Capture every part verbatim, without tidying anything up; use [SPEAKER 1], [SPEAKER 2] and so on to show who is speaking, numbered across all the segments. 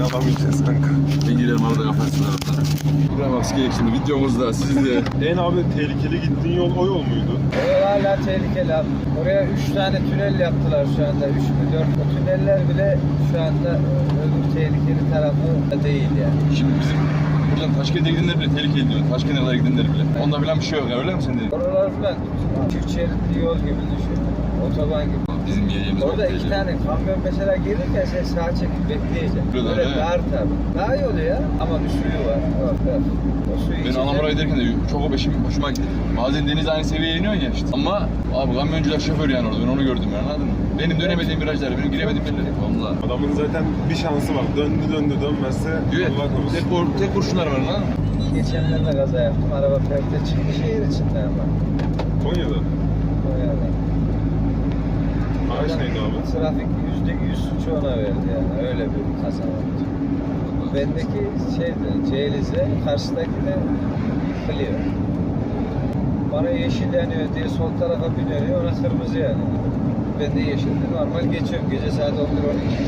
[SPEAKER 1] alamayacağız kanka.
[SPEAKER 2] Ben girelim arada kafasına atlara. Buraya bak sikeyek şimdi videomuzda sizde.
[SPEAKER 1] En abi tehlikeli gittiğin yol o yol muydu?
[SPEAKER 3] O hala tehlikeli abi. Oraya üç tane tünel yaptılar şu anda. üç mü dört. O tüneller bile şu anda öbür tehlikeli tarafı değil yani.
[SPEAKER 2] Şimdi bizim buradan Taşkent'e gidenler bile tehlikeli diyor. Taşkent'e kadar gidenler bile. Onda falan bir şey yok ya, öyle mi sen dedin?
[SPEAKER 3] Oralar falan çift şeritli yol gibi düşün. Otoban gibi.
[SPEAKER 2] Bizim yiyeceğimiz
[SPEAKER 3] Orada iki tane kamyon mesela gelirken sen sağa çekip bekleyeceksin.
[SPEAKER 2] Böyle
[SPEAKER 3] Böyle
[SPEAKER 2] he.
[SPEAKER 3] dar tabii. Daha iyi oluyor ama bir suyu var. Bak, bak. O suyu
[SPEAKER 2] Ben
[SPEAKER 3] içeceksin.
[SPEAKER 2] Anamur'a giderken de çok o beşim hoşuma gitti. Bazen deniz aynı seviyeye iniyor ya işte. Ama abi kamyoncular şoför yani orada, ben onu gördüm yani, anladın mı? Benim dönemediğim virajlar, benim giremediğim yerler. Valla.
[SPEAKER 1] Adamın zaten bir şansı var. Döndü döndü dönmezse
[SPEAKER 2] Evet,
[SPEAKER 1] Allah korusun.
[SPEAKER 2] tek, kur, tek kurşunlar var lan.
[SPEAKER 3] Geçenlerde kaza yaptım. Araba perte çıktı şehir içinde ama.
[SPEAKER 1] Konya'da.
[SPEAKER 3] O yani.
[SPEAKER 1] Araç neydi abi?
[SPEAKER 3] Trafik yüzde yüz suçu ona verdi yani. Öyle bir kaza oldu. Bendeki şeydi, Ceylize, karşıdakine Clio. Bana yeşil yanıyor diye sol tarafa biniyor, ona kırmızı yanıyor. Ben de yeşildi, normal geçiyorum. Gece saat on bir on iki.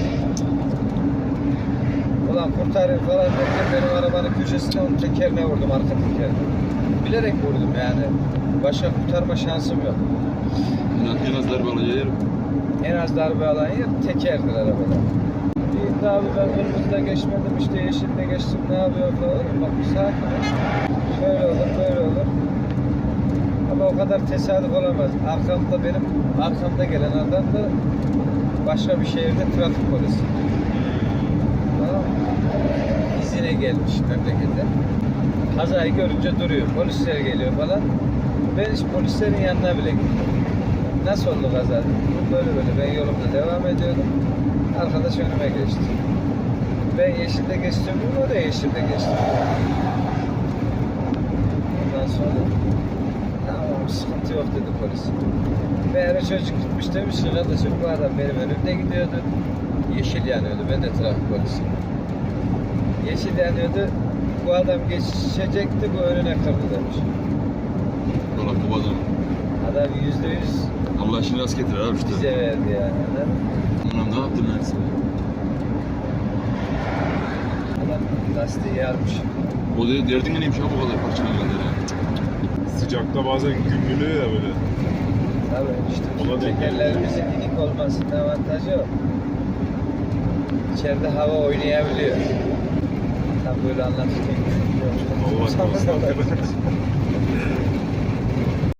[SPEAKER 3] Ulan kurtarayım falan derken benim arabanın köşesine onun tekerine vurdum, arka tekerine. Bilerek vurdum yani. Başka kurtarma şansım yok.
[SPEAKER 2] En az darbe alacağı yer.
[SPEAKER 3] En az darbe alan yer tekerdir arabada. Bir abi ben kırmızıda geçmedim, işte yeşilde geçtim, ne yapıyor falan. Bak bir sakin ol. Şöyle olur, böyle olur. Ama o kadar tesadüf olamaz. Arkamda benim, arkamda gelen adam da başka bir şehirde trafik polisi. Tamam mı? İzine gelmiş memlekete. Kazayı görünce duruyor. Polisler geliyor falan. Ben hiç polislerin yanına bile gittim. Nasıl oldu kaza? Böyle böyle. Ben yolumda devam ediyordum. Arkadaş önüme geçti. Ben yeşilde geçtim, o da yeşilde geçti. Ondan sonra tamam sıkıntı yok dedi polis. Meğer çocuk gitmiş demiş ki kardeşim bu adam benim önümde gidiyordu. Yeşil yanıyordu. Ben de trafik polisiyim. Yeşil yanıyordu. Bu adam geçecekti, bu önüne kırdı demiş.
[SPEAKER 2] Valla bu adam.
[SPEAKER 3] Adam yüzde yüz
[SPEAKER 2] Allah işini rast getirir abi işte.
[SPEAKER 3] bize verdi yani. Adam,
[SPEAKER 2] Anam ne yaptın lan sen?
[SPEAKER 3] adam lastiği yarmış.
[SPEAKER 2] O de, derdin neymiş abi bu kadar parçalı ya.
[SPEAKER 1] Sıcakta bazen gümrülüyor ya böyle.
[SPEAKER 3] Tabii işte
[SPEAKER 1] Ona
[SPEAKER 3] şu
[SPEAKER 1] denk
[SPEAKER 3] tekerlerimizin inik olmasının avantajı o. İçeride hava oynayabiliyor. Tam böyle anlatırken
[SPEAKER 1] Allah korusun.